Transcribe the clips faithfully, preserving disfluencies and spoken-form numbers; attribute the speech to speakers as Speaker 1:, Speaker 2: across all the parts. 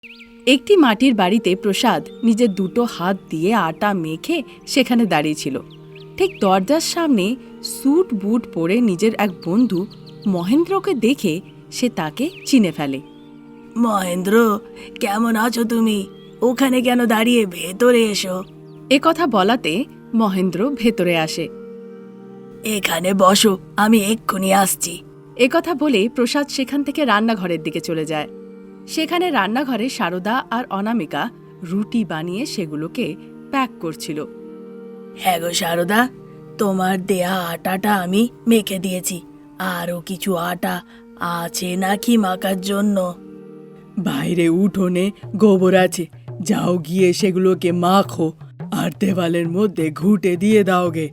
Speaker 1: একটি মাটির বাড়িতে প্রসাদ নিজের দুটো হাত দিয়ে আটা মেখে সেখানে দাঁড়িয়েছিল। ঠিক দরজার সামনে স্যুট বুট পরে নিজের এক বন্ধু মহেন্দ্রকে দেখে সে তাকে চিনে ফেলে।
Speaker 2: মহেন্দ্র, কেমন আছো তুমি? ওখানে কেন দাঁড়িয়ে? ভেতরে এসো।
Speaker 1: এ কথা বলাতে মহেন্দ্র ভেতরে আসে।
Speaker 2: এখানে বসো, আমি এক্ষুনি আসছি।
Speaker 1: এ কথা বলে প্রসাদ সেখান থেকে রান্নাঘরের দিকে চলে যায়। সেখানে রান্নাঘরে সারদা আর অনামিকা রুটি বানিয়ে সেগুলোকে প্যাক করছিল।
Speaker 2: হ্যাঁ গো সারদা, তোমার দেয়া আটাটা আমি মেখে দিয়েছি। আরও কিছু আটা আছে নাকি মাখার জন্য?
Speaker 3: বাইরে উঠোনে গোবর আছে, যাও গিয়ে সেগুলোকে মাখো আর দেওয়ালের মধ্যে ঘুঁটে দিয়ে দাও গে।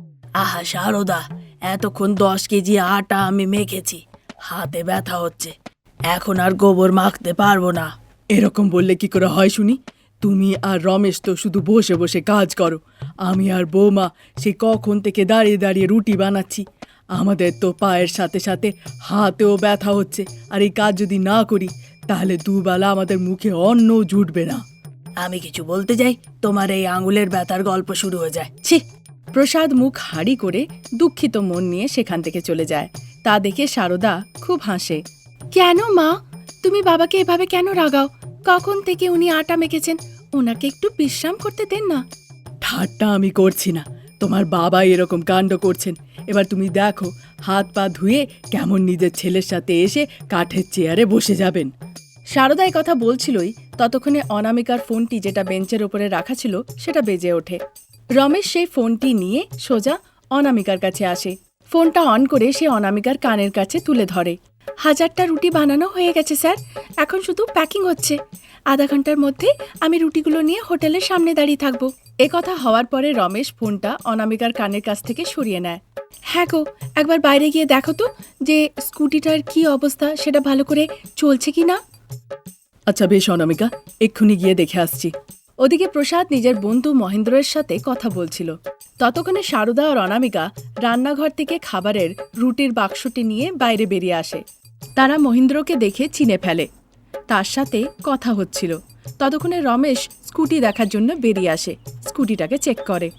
Speaker 2: আহা সারদা, এতক্ষণ দশ কেজি আটা আমি মেখেছি, হাতে ব্যথা হচ্ছে, এখন আর গোবর মাখতে পারবো না।
Speaker 3: এরকম বললে কি করে হয় শুনি? তুমি আর রমেশ তো শুধু বসে বসে কাজ করো, আমি আর বৌমা সে কখন থেকে দাঁড়িয়ে দাঁড়িয়ে রুটি বানাচ্ছি। আমাদের তো পায়ের সাথে সাথে হাতেও ব্যথা হচ্ছে, আর এই কাজ যদি না করি তাহলে দুবেলা আমাদের মুখে অন্নও জুটবে না।
Speaker 2: আমি কিছু বলতে যাই, তোমার এই আঙুলের ব্যথার গল্প শুরু হয়ে যায়।
Speaker 1: ছি! প্রসাদ মুখ হাড়ি করে দুঃখিত মন নিয়ে সেখান থেকে চলে যায়। তা দেখে সারদা খুব হাসে। কেন মা, তুমি বাবাকে এভাবে কেন রাগাও? কখন থেকে উনি আটা মেখেছেন, ওনাকে একটু বিশ্রাম করতে দেন না।
Speaker 3: ঠাট্টা আমি করছি না, তোমার বাবা এরকম কাণ্ড করছেন। এবার তুমি দেখো, হাত পা ধুয়ে কেমন নিজের ছেলের সাথে এসে কাঠের চেয়ারে বসে যাবেন।
Speaker 1: সারদা এই কথা বলছিলই ততক্ষণে অনামিকার ফোনটি যেটা বেঞ্চের ওপরে রাখা ছিল সেটা বেজে ওঠে। রমেশ সেই ফোনটি নিয়ে সোজা অনামিকার কাছে আসে। ফোনটা অন করে সে অনামিকার কানের কাছে তুলে ধরে। হাজারটা রুটি বানানো হয়ে গেছে স্যার, এখন শুধু প্যাকিং হচ্ছে। আধা ঘন্টার মধ্যে আমি রুটিগুলো নিয়ে হোটেলের সামনে দাঁড়িয়ে থাকবো। এ কথা হওয়ার পরে রমেশ ফোনটা অনামিকার কানের কাছ থেকে সরিয়ে নেয়। হ্যাঁ গো, একবার বাইরে গিয়ে দেখো তো যে স্কুটিটার কি অবস্থা, সেটা ভালো করে চলছে কি না।
Speaker 3: আচ্ছা বেশ অনামিকা, এক্ষুনি গিয়ে দেখে আসছি।
Speaker 1: ওদিকে প্রসাদ নিজের বন্ধু মহেন্দ্রের সাথে কথা বলছিল। ততক্ষণে সারদা আর অনামিকা রান্নাঘর থেকে খাবারের রুটির বাক্সটি নিয়ে বাইরে বেরিয়ে আসে। তারা মহেন্দ্রকে দেখে চিনে ফেলে, তার সাথে কথা হচ্ছিল। ততক্ষণে রমেশ স্কুটি দেখার জন্য বেরিয়ে আসে, স্কুটিটাকে চেক করে।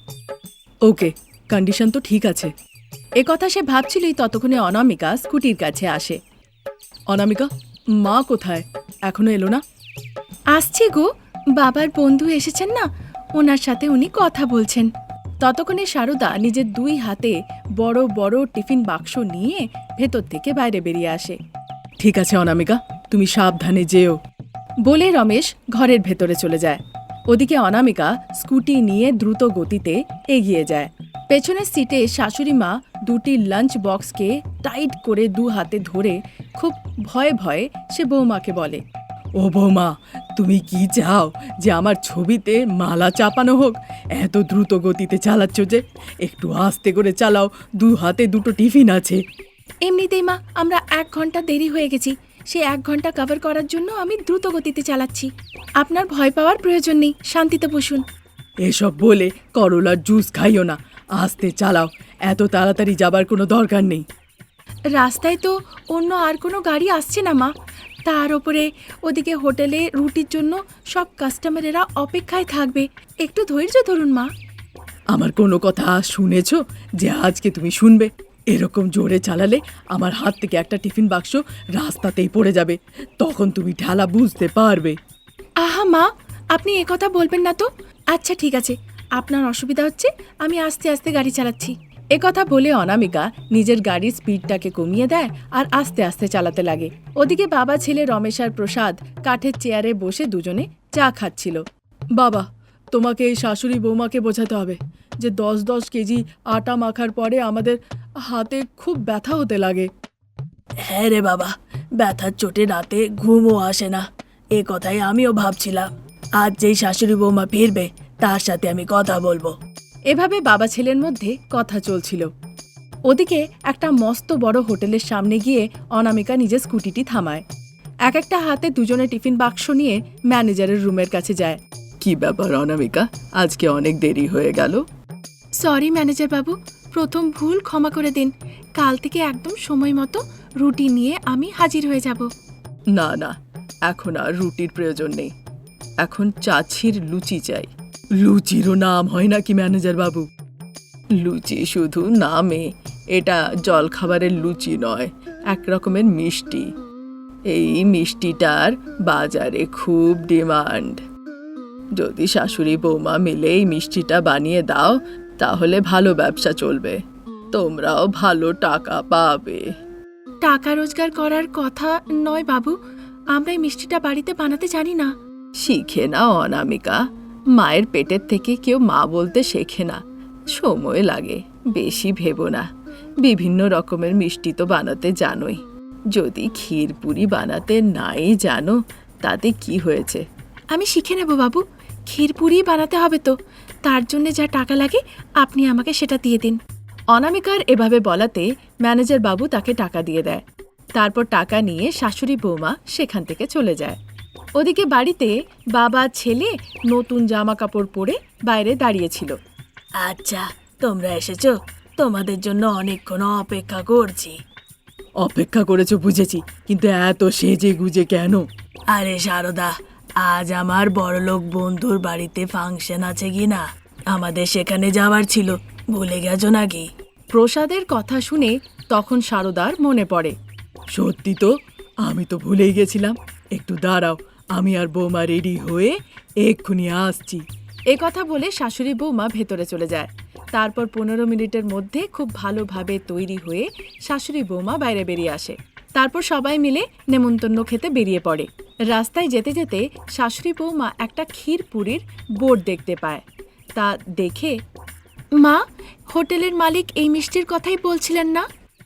Speaker 3: ওকে, কন্ডিশন তো ঠিক আছে।
Speaker 1: এ কথা সে ভাবছিলই ততক্ষণে অনামিকা স্কুটির কাছে আসে।
Speaker 3: অনামিকা, মা কোথায়? এখনো এলো না?
Speaker 1: আসছি গো, বাবার বন্ধু এসেছেন না, ওনার সাথে উনি কথা বলছেন। ততক্ষণে সারদা নিজের দুই হাতে বড় বড় টিফিন বাক্স নিয়ে ভেতর থেকে বাইরে বেরিয়ে আসে।
Speaker 3: ঠিক আছে অনামিকা, তুমি সাবধানে যেও।
Speaker 1: বলে রমেশ ঘরের ভেতরে চলে যায়। ওদিকে অনামিকা স্কুটি নিয়ে দ্রুত গতিতে এগিয়ে যায়। পেছনের সিটে শাশুড়ি মা দুটি লাঞ্চ বক্সকে টাইট করে দু হাতে ধরে খুব ভয়ে ভয়ে সে বৌমাকে বলে,
Speaker 3: ও বৌমা, তুমি কি চাও যে আমার ছবিতে মালা চাপানো হোক? এত দ্রুত গতিতে চালাচ্ছ যে, একটু আস্তে করে চালাও, দু হাতে দুটো টিফিন আছে।
Speaker 1: এমনিতেই মা আমরা এক ঘন্টা দেরি হয়ে গেছি, সে এক ঘন্টা কভার করার জন্য আমি দ্রুত গতিতে চালাচ্ছি। আপনার ভয় পাওয়ার প্রয়োজন নেই, শান্তিতে বসুন।
Speaker 3: এসব বলে করলার জুস খাইও না, আস্তে চালাও, এত তাড়াতাড়ি যাবার কোনো দরকার নেই।
Speaker 1: রাস্তায় তো অন্য আর কোনো গাড়ি আসছে না মা, তার ওপরে ওদিকে হোটেলে রুটির জন্য সব কাস্টমারেরা অপেক্ষায় থাকবে, একটু ধৈর্য ধরুন মা।
Speaker 3: আমার কোনো কথা শুনেছ যে আজকে তুমি শুনবে? এরকম জোরে চালালে আমার হাত থেকে একটা টিফিন বাক্স রাস্তাতেই পড়ে যাবে, তখন তুমি ঠেলা বুঝতে পারবে।
Speaker 1: আহা মা, আপনি একথা বলবেন না তো। আচ্ছা ঠিক আছে, আপনার অসুবিধা হচ্ছে, আমি আস্তে আস্তে গাড়ি চালাচ্ছি। একথা বলে অনামিকা নিজের গাড়ির স্পিডটাকে কমিয়ে দেয় আর আস্তে আস্তে চালাতে লাগে। ওদিকে বাবা ছেলে রমেশ আর প্রসাদ কাঠের চেয়ারে বসে দুজনে চা খাচ্ছিল।
Speaker 3: বাবা, তোমাকে এই শাশুড়ি বৌমাকে বোঝাতে হবে যে দশ দশ কেজি আটা মাখার পরে আমাদের হাতে খুব ব্যথা হতে লাগে।
Speaker 2: হ্যাঁ রে বাবা, ব্যথার চোটে রাতে ঘুমও আসে না, এ কথাই আমিও ভাবছিলাম। আজ যেই শাশুড়ি বৌমা ফিরবে তার সাথে আমি কথা বলবো।
Speaker 1: এভাবে বাবা ছেলের মধ্যে কথা চলছিল। ওদিকে একটা মস্ত বড় হোটেলের সামনে গিয়ে অনামিকা নিজের স্কুটিটি থামায়। এক একটা হাতে দুজনে টিফিন বাক্স নিয়ে ম্যানেজারের রুমের কাছে যায়।
Speaker 3: কি ব্যাপার অনামিকা, আজকে অনেক দেরি হয়ে গেল?
Speaker 1: সরি ম্যানেজার বাবু, প্রথম ভুল ক্ষমা করে দিন। কাল থেকে একদম সময় মতো রুটি নিয়ে আমি হাজির হয়ে যাব।
Speaker 3: না না, এখন আর রুটির প্রয়োজন নেই, এখন চাছির লুচি চাই। লুচিরও নাম হয় নাকি ম্যানেজার বাবু? লুচি শুধু নামে, এটা জলখাবারের লুচি নয়, এক রকমের মিষ্টি। এই মিষ্টিটার বাজারে খুব ডিমান্ড। যদি শাশুড়ি বৌমা মিলে এই মিষ্টিটা বানিয়ে দাও তাহলে ভালো ব্যবসা চলবে, তোমরাও ভালো টাকা পাবে।
Speaker 1: টাকা রোজগার করার কথা নয় বাবু, আমরা এই মিষ্টিটা বাড়িতে বানাতে জানি না।
Speaker 3: শিখে না অনামিকা, মায়ের পেটের থেকে কেউ মা বলতে শেখে না, সময় লাগে, বেশি ভেবো না। বিভিন্ন রকমের মিষ্টি তো বানাতে জানোই, যদি ক্ষীরপুরি বানাতে নাই জানো তাতে কি হয়েছে?
Speaker 1: আমি শিখে নেব বাবু, ক্ষীরপুরি বানাতে হবে তো, তার জন্য যা টাকা লাগে আপনি আমাকে সেটা দিয়ে দিন। অনামিকার এভাবে বলাতে ম্যানেজার বাবু তাকে টাকা দিয়ে দেয়। তারপর টাকা নিয়ে শাশুড়ি বৌমা সেখান থেকে চলে যায়। ওদিকে বাড়িতে বাবা ছেলে নতুন জামা কাপড় পরে বাইরে দাঁড়িয়েছিল।
Speaker 2: আচ্ছা, তোমরা এসেছো, তোমাদের জন্য অনেকক্ষণ অপেক্ষা করছি।
Speaker 3: অপেক্ষা করেছো বুঝেছি, কিন্তু এত সেজে গুজে কেন?
Speaker 2: আরে সারদা, আজ আমার বড়লোক বন্ধুর বাড়িতে ফাংশন আছে কি না, আমাদের সেখানে যাওয়ার ছিল, ভুলে গেছো নাকি?
Speaker 1: প্রসাদের কথা শুনে তখন সারদার মনে পড়ে।
Speaker 3: সত্যি তো, আমি তো ভুলেই গেছিলাম। একটু দাঁড়াও, আমি আর বৌমা রেডি হয়ে এক্ষুনি আসছি।
Speaker 1: এ কথা বলে শাশুড়ি বৌমা ভেতরে চলে যায়। তারপর পনেরো মিনিটের মধ্যে খুব ভালোভাবে তৈরি হয়ে শাশুড়ি বৌমা বাইরে বেরিয়ে আসে। তারপর সবাই মিলে নেমন্তন্ন খেতে বেরিয়ে পড়ে। রাস্তায় যেতে যেতে শাশুড়ি বৌমা একটা ক্ষীরপুরির বোর্ড দেখতে পায়। তা দেখে, মা, হোটেলের মালিক এই মিষ্টির কথাই বলছিলেন না?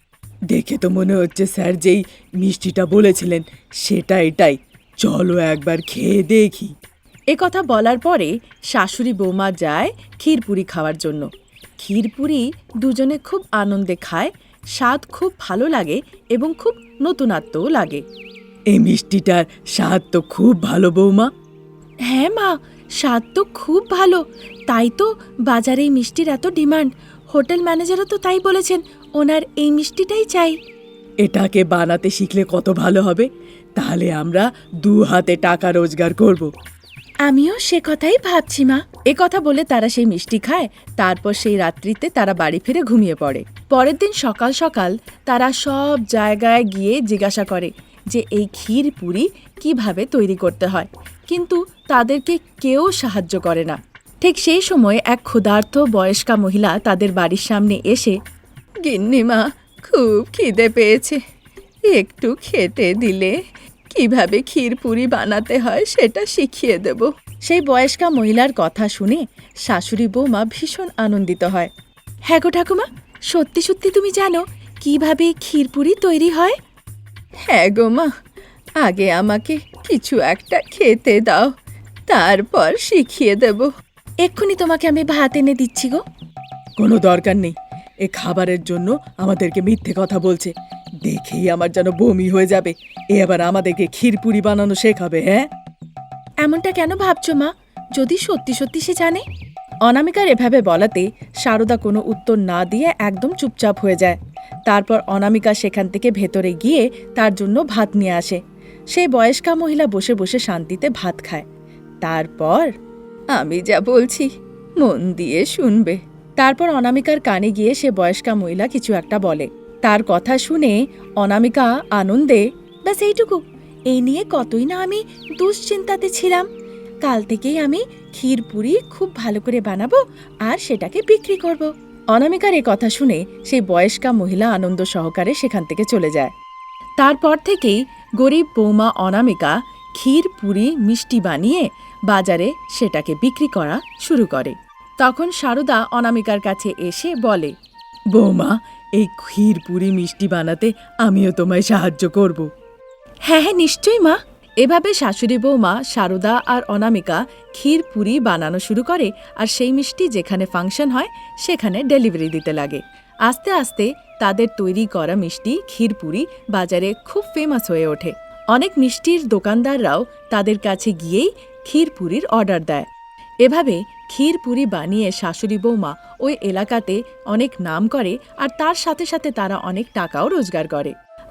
Speaker 3: দেখে তো মনে হচ্ছে স্যার যেই মিষ্টিটা বলেছিলেন সেটা এটাই, চলো একবার খেয়ে দেখি।
Speaker 1: এ কথা বলার পরে শাশুড়ি বৌমা যায় ক্ষীরপুরি খাওয়ার জন্য। ক্ষীরপুরি দুজনে খুব আনন্দে খায়, স্বাদ খুব ভালো লাগে এবং খুব নতুনত্বও লাগে।
Speaker 3: এই মিষ্টিটার স্বাদ তো খুব ভালো বৌমা।
Speaker 1: হ্যাঁ মা, স্বাদ তো খুব ভালো, তাই তো বাজারে এই মিষ্টির এত ডিমান্ড। হোটেল ম্যানেজারও তো তাই বলেছেন, ওনার এই মিষ্টিটাই চাই।
Speaker 3: এটাকে বানাতে শিখলে কত ভালো হবে, তাহলে আমরা দু হাতে টাকা রোজগার করব।
Speaker 1: আমিও সে কথাই ভাবছি মা। এ কথা বলে তারা সেই মিষ্টি খায়। তারপর সেই রাত্রিতে তারা বাড়ি ফিরে ঘুমিয়ে পড়ে। পরের দিন সকাল সকাল তারা সব জায়গায় গিয়ে জিজ্ঞাসা করে যে এই ক্ষীরপুরি কিভাবে তৈরি করতে হয়, কিন্তু তাদেরকে কেউ সাহায্য করে না। ঠিক সেই সময় এক ক্ষুধার্ত বয়স্কা মহিলা তাদের বাড়ির সামনে এসে, গিন্নিমা, খুব খিদে পেয়েছে, একটু খেতে দিলে কিভাবে ক্ষীরপুরি বানাতে হয় সেটা শিখিয়ে দেব। সেই বয়স্কা মহিলার কথা শুনে শাশুড়ি বৌমা ভীষণ আনন্দিত হয়। হ্যাঁ গো ঠাকুমা, সত্যি সত্যি তুমি জানো কিভাবে ক্ষীরপুরি তৈরি হয়? হ্যাঁ গো মা, আগে আমাকে কিছু একটা খেতে দাও, তারপর শিখিয়ে দেব। এক্ষুনি তোমাকে আমি ভাত এনে দিচ্ছি গো।
Speaker 3: কোনো দরকার নেই, এ খাবারের জন্য আমাদেরকে মিথ্যে কথা বলছে, দেখেই আমার যেন বমি হয়ে যাবে। এ আবার আমাদেরকে ক্ষীরপুরি বানানো শেখাবে? হ্যাঁ,
Speaker 1: এমনটা কেন ভাবছো মা? যদি সত্যি সত্যি সে জানে? অনামিকার এভাবে বলাতে সারদা কোনো উত্তর না দিয়ে একদম চুপচাপ হয়ে যায়। তারপর অনামিকা সেখান থেকে ভেতরে গিয়ে তার জন্য ভাত নিয়ে আসে। সেই বয়স্কা মহিলা বসে বসে শান্তিতে ভাত খায়। তারপর, আমি যা বলছি মন দিয়ে শুনবে। তারপর অনামিকার কানে গিয়ে সে বয়স্কা মহিলা কিছু একটা বলে। তার কথা শুনে অনামিকা আনন্দে, ব্যাস এইটুকু, এই নিয়ে কতই না আমি দুশ্চিন্তাতে ছিলাম। কাল থেকেই আমি ক্ষীরপুরি খুব ভালো করে বানাবো আর সেটাকে বিক্রি করব। অনামিকার এই কথা শুনে সেই বয়স্কা মহিলা আনন্দ সহকারে সেখান থেকে চলে যায়। তারপর থেকেই গরিব বৌমা অনামিকা ক্ষীরপুরি মিষ্টি বানিয়ে বাজারে সেটাকে বিক্রি করা শুরু করে। তখন সারদা অনামিকার কাছে এসে বলে,
Speaker 3: বৌমা, এই ক্ষীরপুরি মিষ্টি বানাতে আমিও তোমায় সাহায্য করব।
Speaker 1: হ্যাঁ হ্যাঁ নিশ্চয়ই মা। এভাবে শাশুড়ি বৌমা সারদা আর অনামিকা ক্ষীরপুরি বানানো শুরু করে আর সেই মিষ্টি যেখানে ফাংশন হয় সেখানে ডেলিভারি দিতে লাগে। আস্তে আস্তে তাদের তৈরি করা মিষ্টি ক্ষীরপুরি বাজারে খুব ফেমাস হয়ে ওঠে। অনেক মিষ্টির দোকানদাররাও তাদের কাছে গিয়েই ক্ষীরপুরির অর্ডার দেয়। এভাবে ক্ষীরপুরি বানিয়ে শাশুড়ি বৌমা ওই এলাকাতে অনেক নাম করে আর তার সাথে সাথে তারা অনেক টাকাও রোজগার করে।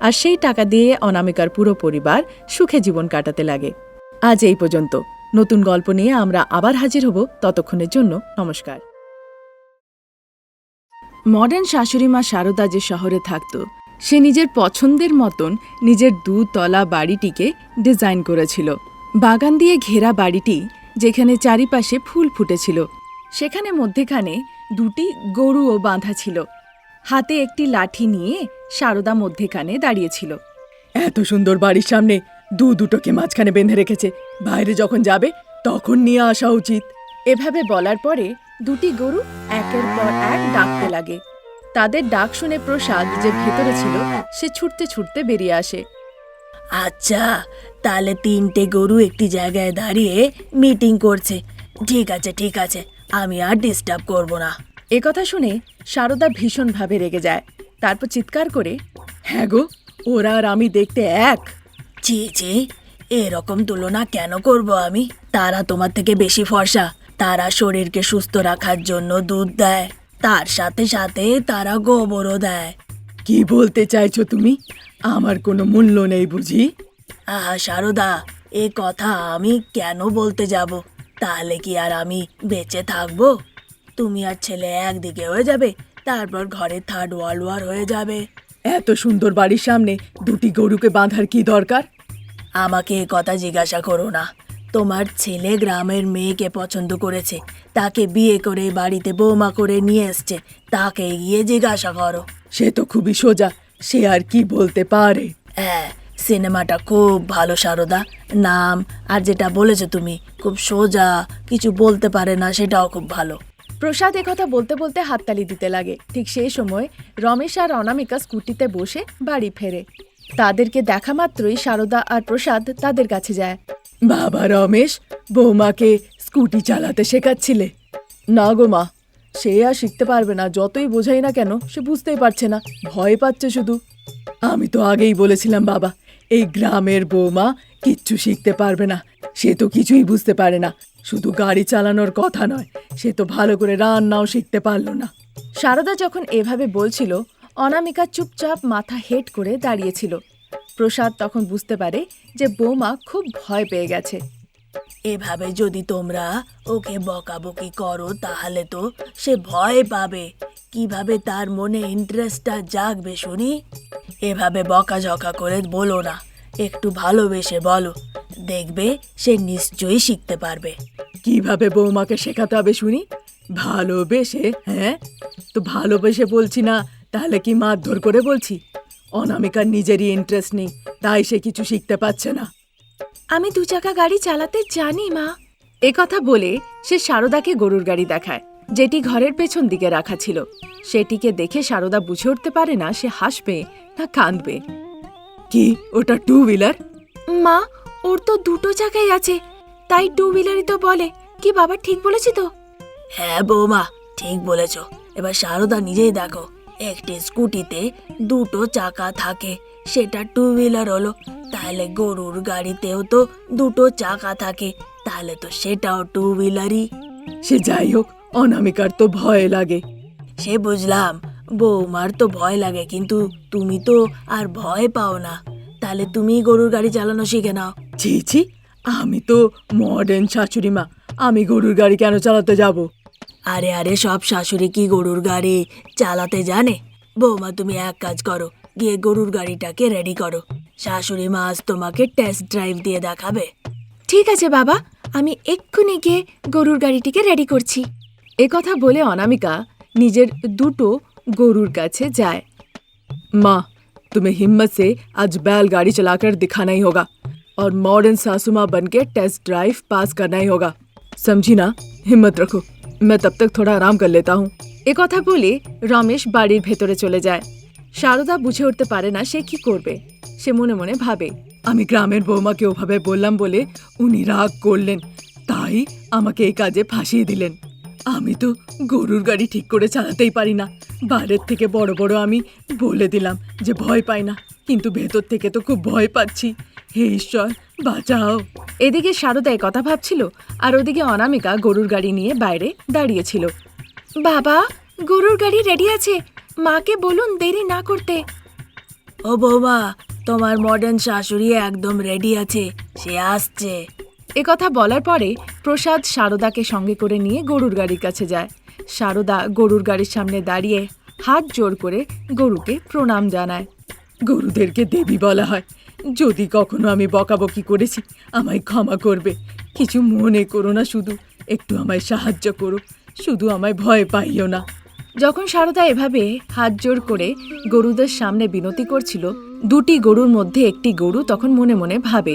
Speaker 1: আর সেই টাকা দিয়ে অনামিকার পুরো পরিবার সুখে জীবন কাটাতে লাগে। আজ এই পর্যন্ত। নতুন গল্প নিয়ে আমরা আবার হাজির হব। ততক্ষণের জন্য নমস্কার। মডার্ন শাশুড়ি মা শারদা যে শহরে থাকত, সে নিজের পছন্দের মতন নিজের দুতলা বাড়িটিকে ডিজাইন করেছিল। বাগান দিয়ে ঘেরা বাড়িটি, যেখানে চারিপাশে ফুল ফুটেছিল, সেখানে মধ্যেখানে দুটি গরুও বাঁধা ছিল। হাতে একটি লাঠি নিয়ে শারদা মধ্যেখানে দাঁড়িয়েছিল।
Speaker 3: এত সুন্দর বাড়ির সামনে দু দুটোকে মাঝখানে বেঁধে রেখেছে, বাইরে যখন যাবে তখন নিয়ে আসা উচিত।
Speaker 1: এভাবে বলার পরে দুটি গরু একের পর এক ডাকতে লাগে। তাদের ডাক শুনে প্রসাদ, যে ভেতরে ছিল, সে ছুটতে ছুটতে বেরিয়ে আসে।
Speaker 2: আচ্ছা, তাহলে তিনটে গরু একটি জায়গায় দাঁড়িয়ে মিটিং করছে। ঠিক আছে ঠিক আছে, আমি আর ডিস্টার্ব করব না।
Speaker 1: এ কথা শুনে শারদা ভীষণভাবে রেগে যায়। তারপর চিৎকার করে,
Speaker 3: হ্যাঁ গো, ওরা আর আমি দেখতে এক।
Speaker 2: ছি ছি, এরকম তুলনা কেন করব আমি? তারা তোমার থেকে বেশি ফর্সা। তারা শরীরকে সুস্থ রাখার জন্য দুধ দেয়, তার সাথে সাথে তারা গোবরও দেয়।
Speaker 3: কি বলতে চাইছো তুমি? আমার কোনো মূল্য নেই বুঝি?
Speaker 2: আহা শারদা, এ কথা আমি কেন বলতে যাব? তাহলে কি আর আমি বেঁচে থাকবো? তুমি আর ছেলে একদিকে হয়ে যাবে, তারপর ঘরে থার্ড ওয়ার্ল্ড ওয়ার হয়ে যাবে।
Speaker 3: এত সুন্দর বাড়ির সামনে দুটি গরুকে বাঁধার কি দরকার?
Speaker 2: আমাকে এ কথা জিজ্ঞাসা করো না। তোমার ছেলে গ্রামের মেয়েকে পছন্দ করেছে, তাকে বিয়ে করে বাড়িতে বৌমা করে নিয়ে এসছে। তাকে গিয়ে জিজ্ঞাসা করো।
Speaker 3: সে তো খুবই সোজা, সে আর কি বলতে পারে?
Speaker 2: হ্যাঁ, সিনেমাটা খুব ভালো শারদা। নাম আর যেটা বলেছো তুমি, খুব সোজা, কিছু বলতে পারে না, সেটাও খুব ভালো।
Speaker 1: প্রসাদ একথা বলতে বলতে হাততালি দিতে লাগে। ঠিক সেই সময় রমেশ আর অনামিকা স্কুটিতে বসে বাড়ি ফেরে। তাদেরকে দেখা মাত্রই শারদা আর প্রসাদ তাদের কাছে যায়।
Speaker 3: বাবা রমেশ, বৌমাকে স্কুটি চালাতে শেখাচ্ছিলে? না গো মা, সে আর শিখতে পারবে না। যতই বোঝাই না কেন, সে বুঝতেই পারছে না, ভয় পাচ্ছে শুধু। আমি তো আগেই বলেছিলাম বাবা, এই গ্রামের বৌমা কিচ্ছু শিখতে পারবে না। সে তো কিছুই বুঝতে পারে না। শুধু গাড়ি চালানোর কথা নয়, সে তো ভালো করে রান্নাও শিখতে পারলো না।
Speaker 1: শারদা যখন এভাবে বলছিল, অনামিকা চুপচাপ মাথা হেট করে দাঁড়িয়েছিল। প্রসাদ তখন বুঝতে পারে যে বৌমা খুব ভয় পেয়ে গেছে।
Speaker 2: এভাবে যদি তোমরা ওকে বকাবকি করো, তাহলে তো সে ভয় পাবে। কিভাবে তার মনে ইন্টারেস্টটা জাগবে শুনি? এভাবে বকাঝকা করে বলো না, একটু ভালোবেসে বলো। দেখবে সে নিশ্চয়ই শিখতে পারবে।
Speaker 3: কিভাবে বৌমাকে শেখাতে হবে শুনি? ভালোবেসে? হ্যাঁ, তো ভালোবেসে বলছি না, তাহলে কি মারধর করে বলছি? অনামিকার নিজেরই ইন্টারেস্ট নেই, তাই সে কিছু শিখতে পারছে না।
Speaker 1: আমি দু চাকা গাড়ি চালাতে জানি মা। এ কথা বলে সে শারদাকে গরুর গাড়ি দেখায়, যেটি ঘরের পেছন দিকে রাখা ছিল। সেটিকে দেখে শারদা বুঝে উঠতে পারে না সে হাসবে না কাঁদবে।
Speaker 3: কি, ওটা টু হুইলার?
Speaker 1: মা, ওর তো দুটো চাকাই আছে, তাই টু হুইলারই তো বলে। কি বাবা, ঠিক বলেছি তো?
Speaker 2: হ্যাঁ বৌমা, ঠিক বলেছ। এবার শারদা নিজেই দেখো, একটি স্কুটিতে দুটো চাকা থাকে, সেটা টু হুইলার হলো। তাহলে গরুর গাড়িতেও তো দুটো চাকা থাকে, তাহলে তো সেটাও টু হুইলারই।
Speaker 3: সে যাই হোক, অনামিকার তো ভয় লাগে।
Speaker 2: সে বুঝলাম, বৌমার তো ভয় লাগে, কিন্তু তুমি তো আর ভয় পাও না। তাহলে তুমি গরুর গাড়ি চালানো শিখে নাও।
Speaker 3: ছি ছি, আমি তো মডার্ন শাশুড়ি মা, আমি গরুর গাড়ি কেন চালাতে যাব?
Speaker 2: আরে আরে, সব শাশুড়ি কি গরুর গাড়ি চালাতে জানে? বৌমা, তুমি এক কাজ করো, গিয়ে গরুর গাড়িটাকে রেডি করো। শাশুড়ি মা আজ তোমাকে টেস্ট ড্রাইভ দিয়ে দেখাবে।
Speaker 1: ঠিক আছে বাবা, আমি এক্ষুনি গিয়ে গরুর গাড়িটিকে রেডি করছি। এ কথা বলে অনামিকা নিজের দুটো গরুর কাছে যায়।
Speaker 3: माँ, तुम्हें हिम्मत से आज बैलगाड़ी चलाकर दिखाना ही होगा और मॉडर्न सासू माँ बन के टेस्ट ड्राइव पास करना ही होगा, समझी ना? हिम्मत रखो, मैं तब तक थोड़ा आराम कर लेता हूँ।
Speaker 1: এ কথা বলে রমেশ বাড়ির ভেতরে চলে যায়। শারদা বুঝে উঠতে পারে না সে কি করবে। সে মনে মনে ভাবে,
Speaker 3: আমি গ্রামের বৌমাকে ওভাবে বললাম বলে উনি রাগ করলেন, তাই আমাকে এই কাজে ফাঁসিয়ে দিলেন। আমি তো গরুর গাড়ি ঠিক করে চালাতেই পারি না। বাইরের থেকে বড় বড় আমি বলে দিলাম যে ভয় পাই না, কিন্তু ভেতর থেকে তো খুব ভয় পাচ্ছি। হে ঈশ্বর, বাঁচাও।
Speaker 1: এদিকে শারদা এ কথা ভাবছিল, আর ওদিকে অনামিকা গরুর গাড়ি নিয়ে বাইরে দাঁড়িয়েছিল। বাবা, গরুর গাড়ি রেডি আছে, মাকে বলুন দেরি না করতে।
Speaker 2: ও বৌমা, তোমার মডার্ন শাশুড়ি একদম রেডি আছে, সে আসছে।
Speaker 1: একথা বলার পরে প্রসাদ সারদাকে সঙ্গে করে নিয়ে গরুর গাড়ির কাছে যায়। সারদা গরুর গাড়ির সামনে দাঁড়িয়ে হাত জোড় করে গরুকে প্রণাম জানায়।
Speaker 3: গরুদেরকে দেবী বলা হয়। যদি কখনো আমি বকাবকি করেছি আমায় ক্ষমা করবে। কিছু মনে করো না, শুধু একটু আমায় সাহায্য করো, শুধু আমায় ভয় পাইও না।
Speaker 1: যখন সারদা এভাবে হাত জোড় করে গরুদের সামনে বিনতি করছিল, দুটি গরুর মধ্যে একটি গরু তখন মনে মনে ভাবে,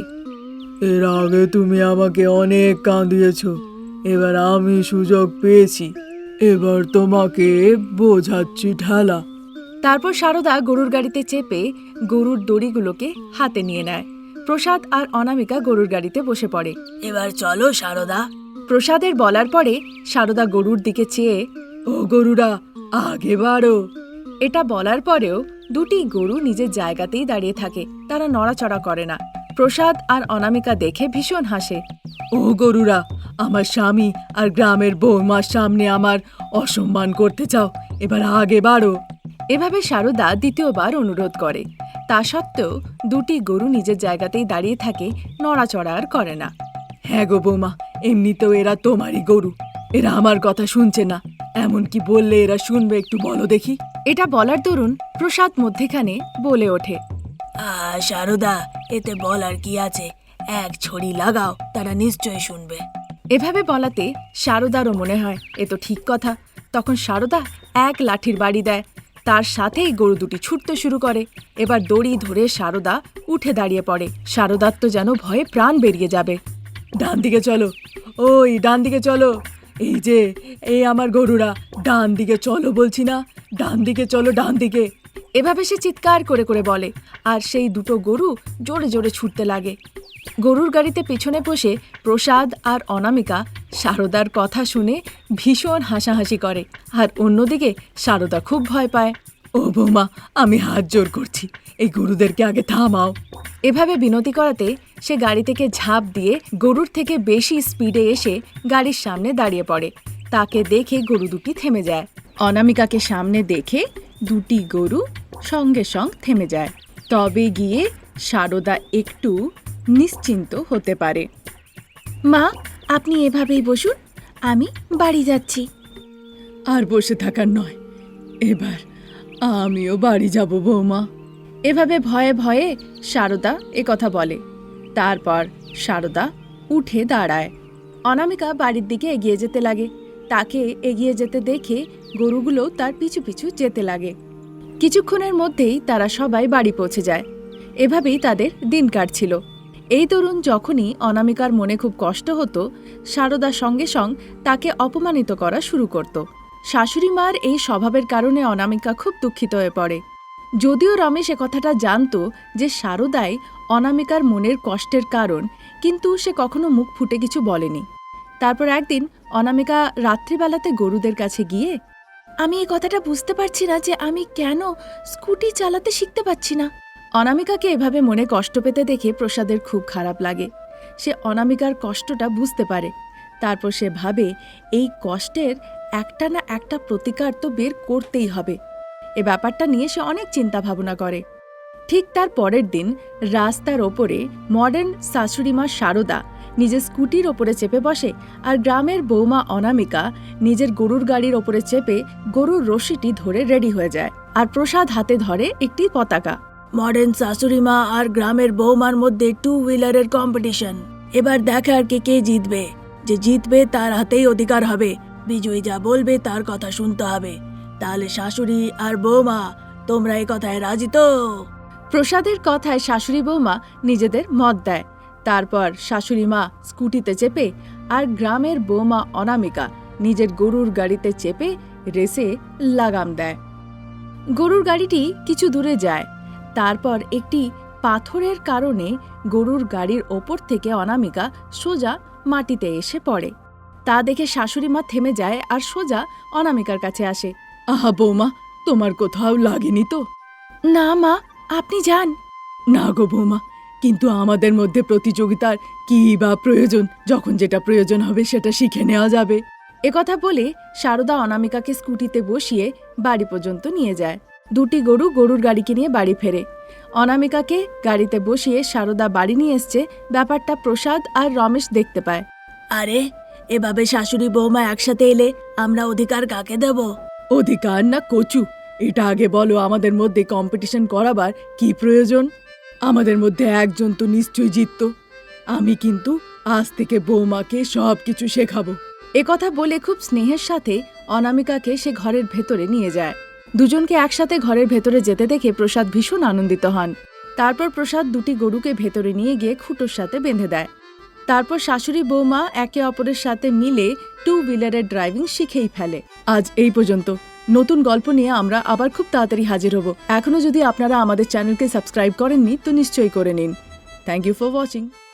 Speaker 3: এর আগে তুমি আমাকে অনেক কাঁদিয়েছ, এবার আমি সুযোগ পেয়েছি, এবার তোমাকে বোঝাচ্ছি ঠেলা।
Speaker 1: তারপর সারদা গরুর গাড়িতে চেপে গরুর দড়িগুলোকে হাতে নিয়ে নেয়। প্রসাদ আর অনামিকা গরুর গাড়িতে বসে পড়ে।
Speaker 2: এবার চলো সারদা।
Speaker 1: প্রসাদের বলার পরে সারদা গরুর দিকে চেয়ে,
Speaker 3: ও গরুরা আগে বাড়ো।
Speaker 1: এটা বলার পরেও দুটি গরু নিজের জায়গাতেই দাঁড়িয়ে থাকে, তারা নড়াচড়া করে না। প্রসাদ আর অনামিকা দেখে ভীষণ হাসে।
Speaker 3: ও গরুরা, আমার স্বামী আর গ্রামের বৌমার সামনে আমার অসম্মান করতে চাও, এবার আগে বাড়ো।
Speaker 1: এভাবে সারদা দ্বিতীয়বার অনুরোধ করে। তা সত্ত্বেও দুটি গরু নিজের জায়গাতেই দাঁড়িয়ে থাকে, নড়াচড়া আর করে না।
Speaker 3: হ্যাঁ গো বৌমা, এমনিতেও এরা তোমারই গরু, এরা আমার কথা শুনছে না, এমন কি বললে এরা শুনবে একটু বলো দেখি।
Speaker 1: এটা বলার দরুন প্রসাদ মধ্যেখানে বলে ওঠে,
Speaker 2: আহ সারদা, এতে বলার কি আছে, এক ছড়ি লাগাও, তারা নিশ্চয়ই শুনবে।
Speaker 1: এভাবে বলাতে সারদারও মনে হয় এ তো ঠিক কথা। তখন সারদা এক লাঠির বাড়ি দেয়, তার সাথেই গরু দুটি ছুটতে শুরু করে। এবার দড়ি ধরে সারদা উঠে দাঁড়িয়ে পড়ে। সারদার তো যেন ভয়ে প্রাণ বেরিয়ে যাবে।
Speaker 3: ডান দিকে চলো, ওই ডান দিকে চলো, এই যে এই আমার গরুরা, ডান দিকে চলো বলছি না, ডান দিকে চলো, ডান দিকে।
Speaker 1: এভাবে সে চিৎকার করে করে বলে, আর সেই দুটো গরু জোরে জোরে ছুটতে লাগে। গরুর গাড়িতে পেছনে বসে প্রসাদ আর অনামিকা সারদার কথা শুনে ভীষণ হাসাহাসি করে, আর অন্যদিকে সারদা খুব ভয় পায়।
Speaker 3: ও বৌমা, আমি হাত জোর করছি, এই গরুদেরকে আগে থামাও।
Speaker 1: এভাবে বিনতি করাতে সে গাড়ি থেকে ঝাঁপ দিয়ে গরুর থেকে বেশি স্পিডে এসে গাড়ির সামনে দাঁড়িয়ে পড়ে। তাকে দেখে গরু দুটি থেমে যায়। অনামিকাকে সামনে দেখে দুটি গরু সঙ্গে সঙ্গ থেমে যায়। তবে গিয়ে সারদা একটু নিশ্চিন্ত হতে পারে। মা, আপনি এভাবেই বসুন, আমি বাড়ি যাচ্ছি।
Speaker 3: আর বসে থাকার নয়, এবার আমিও বাড়ি যাব বৌমা।
Speaker 1: এভাবে ভয়ে ভয়ে সারদা একথা বলে। তারপর সারদা উঠে দাঁড়ায়। অনামিকা বাড়ির দিকে এগিয়ে যেতে লাগে। তাকে এগিয়ে যেতে দেখে গরুগুলো তার পিছু পিছু যেতে লাগে। কিছুক্ষণের মধ্যেই তারা সবাই বাড়ি পৌঁছে যায়। এভাবেই তাদের দিন কাটছিল। এই তরুণ যখনই অনামিকার মনে খুব কষ্ট হতো, সারদার সঙ্গে সঙ্গ তাকে অপমানিত করা শুরু করত। শাশুড়ি মার এই স্বভাবের কারণে অনামিকা খুব দুঃখিত হয়ে পড়ে। যদিও রমেশ কথাটা জানতো যে সারদাই অনামিকার মনের কষ্টের কারণ, কিন্তু সে কখনো মুখ ফুটে কিছু বলেনি। তারপর একদিন অনামিকা রাত্রিবেলাতে গরুদের কাছে গিয়ে, আমি এই কথাটা বুঝতে পারছি না যে আমি কেন স্কুটি চালাতে শিখতে পারছি না। অনামিকাকে এভাবে মনে কষ্ট পেতে দেখে প্রসাদের খুব খারাপ লাগে। সে অনামিকার কষ্টটা বুঝতে পারে। তারপর সে ভাবে এই কষ্টের একটা না একটা প্রতিকার তো বের করতেই হবে। এ ব্যাপারটা নিয়ে সে অনেক চিন্তা ভাবনা করে। ঠিক তার পরের দিন রাস্তার ওপরে মডার্ন শাশুড়িমা সারদা নিজের স্কুটির ওপরে চেপে বসে, আর গ্রামের বৌমা অনামিকা নিজের গরুর গাড়ির ওপরে চেপে গরুর রশিটি ধরে রেডি হয়ে যায়। আর প্রসাদ হাতে ধরে একটি পতাকা।
Speaker 2: মডার্ন শাশুড়িমা আর গ্রামের বৌমার মধ্যে টু হুইলারের কম্পিটিশন। এবার দেখার কে কে জিতবে। যে জিতবে তার হাতেই অধিকার হবে। বিজয়ী যা বলবে তার কথা শুনতে হবে। তাহলে শাশুড়ি আর বৌমা, তোমরা এই কথায় রাজি তো?
Speaker 1: প্রসাদের কথায় শাশুড়ি বৌমা নিজেদের মত দেয়। তারপর শাশুড়ি মা স্কুটিতে চেপে আর গ্রামের বৌমা অনামিকা নিজের গরুর গাড়িতে চেপে রেসে লাগাম দেয়। গরুর গাড়িটি কিছু দূরে যায়। তারপর একটি পাথরের কারণে গরুর গাড়ির ওপর থেকে অনামিকা সোজা মাটিতে এসে পড়ে। তা দেখে শাশুড়ি মা থেমে যায় আর সোজা অনামিকার কাছে আসে।
Speaker 3: আহা বৌমা, তোমার কোথাও লাগেনি তো?
Speaker 1: না মা, আপনি যান।
Speaker 3: না গো বৌমা, কিন্তু আমাদের মধ্যে প্রতিযোগিতার কি বা প্রয়োজন? যখন যেটা প্রয়োজন হবে সেটা শিখে নেওয়া যাবে।
Speaker 1: একথা বলে সারদা অনামিকাকে স্কুটিতে বসিয়ে বাড়ি পর্যন্ত নিয়ে যায়। দুটি গরু গরুর গাড়িকে নিয়ে বাড়ি ফেরে। অনামিকাকে গাড়িতে বসিয়ে সারদা বাড়ি নিয়ে এসছে ব্যাপারটা প্রসাদ আর রমেশ দেখতে পায়।
Speaker 2: আরে এভাবে শাশুড়ি বৌমা একসাথে এলে আমরা অধিকার কাকে দেব?
Speaker 3: অধিকার না কচু, এটা আগে বলো, আমাদের মধ্যে কম্পিটিশন করাবার কি প্রয়োজন? আমাদের মধ্যে একজন তো নিশ্চয়ই জিতত। আমি কিন্তু আজ থেকে বৌমাকে সব কিছু শেখাবো।
Speaker 1: একথা বলে খুব স্নেহের সাথে অনামিকাকে সে ঘরের ভেতরে নিয়ে যায়। দুজনকে একসাথে ঘরের ভেতরে যেতে দেখে প্রসাদ ভীষণ আনন্দিত হন। তারপর প্রসাদ দুটি গরুকে ভেতরে নিয়ে গিয়ে খুঁটোর সাথে বেঁধে দেয়। তারপর শাশুড়ি বৌমা একে অপরের সাথে মিলে টু হুইলারের ড্রাইভিং শিখেই ফেলে। আজ এই পর্যন্ত। নতুন গল্প নিয়ে আমরা আবার খুব তাড়াতাড়ি হাজির হব। এখনো যদি আপনারা আমাদের চ্যানেলকে সাবস্ক্রাইব করেননি তো নিশ্চয়ই করে নিন। Thank you for watching.